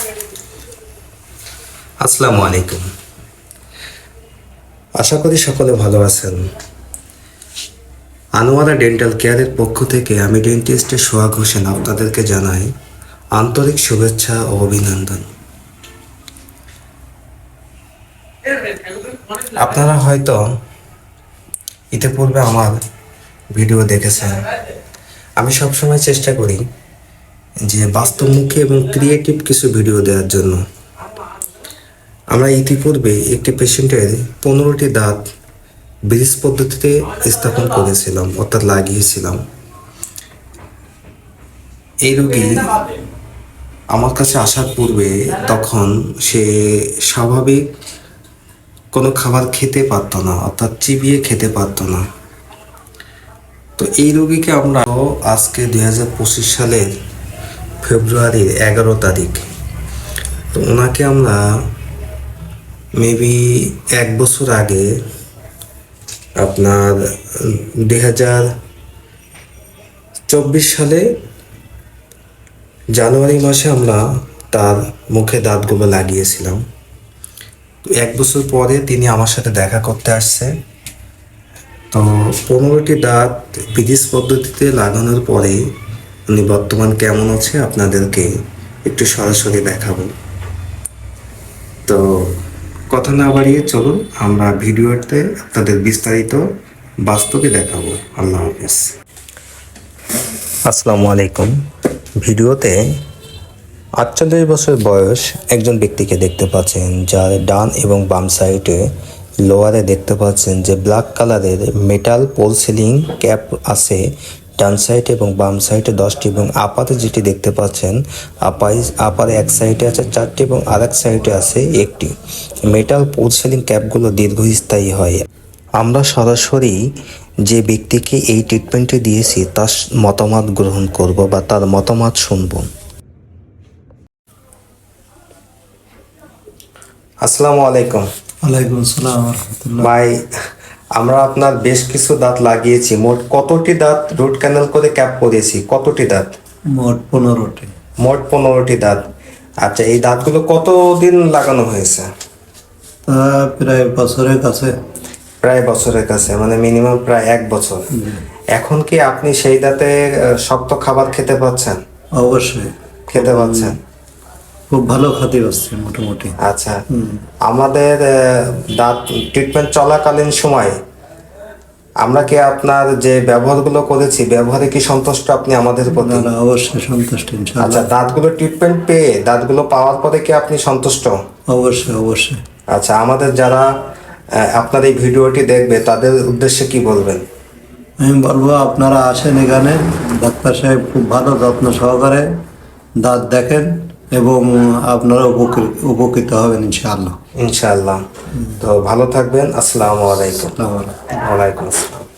আসসালামু আলাইকুম। আশা করি সকলে ভালো আছেন। আনোয়ারা ডেন্টাল কেয়ারের পক্ষ থেকে আমি ডেন্টিস্ট সোহাগ হোসেন আপনাদেরকে জানাই আন্তরিক শুভেচ্ছা ও অভিনন্দন। আপনারা হয়তো ইতিপূর্বে আমার ভিডিও দেখেছেন। আমি সবসময় চেষ্টা করি যে বাস্তবমুখী এবং ক্রিয়েটিভ কিছু ভিডিও দেওয়ার জন্য। আমরা ইতিপূর্বে একটি পেশেন্টের 15টি দাঁত ব্রিজ পদ্ধতিতে স্থাপন করেছিলাম, অর্থাৎ লাগিয়েছিলাম। এই রোগী আমার কাছে আসার পূর্বে তখন সে স্বাভাবিক কোনো খাবার খেতে পারতো না, অর্থাৎ চিবিয়ে খেতে পারতো না। তো এই রোগীকে আমরা আজকে 2025 সালের ফেব্রুয়ারির 11 তারিখ, তো ওনাকে আমরা মেবি 1 বছর আগে আপনার 2024 সালে জানুয়ারি মাসে আমরা তার মুখে দাঁতগুলো লাগিয়েছিলাম। তো 1 বছর পরে তিনি আমার সাথে দেখা করতে আসছে। তো 15টি দাঁত ব্রিজ পদ্ধতিতে লাগানোর পরে উনি বর্তমান কেমন আছে আপনাদেরকে একটু সরাসরি দেখাবো। তো কথা না বাড়িয়ে চলুন আমরা ভিডিওতে আপনাদের বিস্তারিত বাস্তবে দেখাবো। আল্লাহ হাফেজ। আসসালামু আলাইকুম। ভিডিওতে 48 বছর বয়স একজন ব্যক্তিকে দেখতে পাচ্ছেন, যার ডান এবং বাম সাইডে লোয়ারে দেখতে পাচ্ছেন যে ব্ল্যাক কালারের মেটাল পোল সিলিং ক্যাপ আছে ডান সাইড এবং বাম সাইডে 10টি, এবং আপাতে যেটি দেখতে পাচ্ছেন আপারে এক সাইডে আছে 4টি এবং আরেক সাইডে আছে 1টি। মেটাল পোল সিলিং ক্যাপগুলো দীর্ঘস্থায়ী হয়। আমরা সরাসরি যে ব্যক্তিকে এই ট্রিটমেন্টটি দিয়েছি তার মতামত গ্রহণ করব বা তার মতামত শুনব। আসসালামু আলাইকুম। ওয়ালাইকুম আসসালাম ওয়া রাহমাতুল্লাহ। ভাই, আমরা আপনার বেশ কিছু দাঁত লাগিয়েছি। মোট কতটি দাঁত রুট ক্যানেল করে ক্যাপ করেছি? কতটি দাঁত? মোট 15টি। মোট 15টি দাঁত। আচ্ছা, এই দাঁতগুলো কতদিন লাগানো হয়েছে? তা প্রায় বছরের কাছে। প্রায় বছরের কাছে, মানে মিনিমাম প্রায় 1 বছর। এখন কি আপনি সেই দাঁতে শক্ত খাবার খেতে পাচ্ছেন? অবশ্যই খেতে পাচ্ছেন? খুব ভালো খেতে পাচ্ছি মোটামুটি। আচ্ছা, আমাদের দাঁত ট্রিটমেন্ট চলাকালীন সময় আমরা কি আপনার যে ব্যবহারগুলো করেছি ব্যবহারে কি সন্তুষ্ট আপনি আমাদের প্রতি? না, অবশ্যই সন্তুষ্ট ইনশাআল্লাহ। আচ্ছা, দাঁতগুলো ট্রিটমেন্ট পেয়ে দাঁতগুলো পাওয়ার পরে কি আপনি সন্তুষ্ট? অবশ্যই অবশ্যই। আচ্ছা, আমাদের যারা আপনার এই ভিডিওটি দেখবে তাদের উদ্দেশ্যে কি বলবেন? আমি বলবো আপনারা আসেন এখানে, ডাক্তার সাহেব খুব ভালো যত্ন সহকারে দাঁত দেখেন এবং আপনারা উপকৃত হবেন ইনশাআল্লাহ। ইনশাআল্লাহ। তো ভালো থাকবেন। আসসালামু আলাইকুম। আসসালামু আলাইকুম। ওয়ালাইকুম আসসালাম।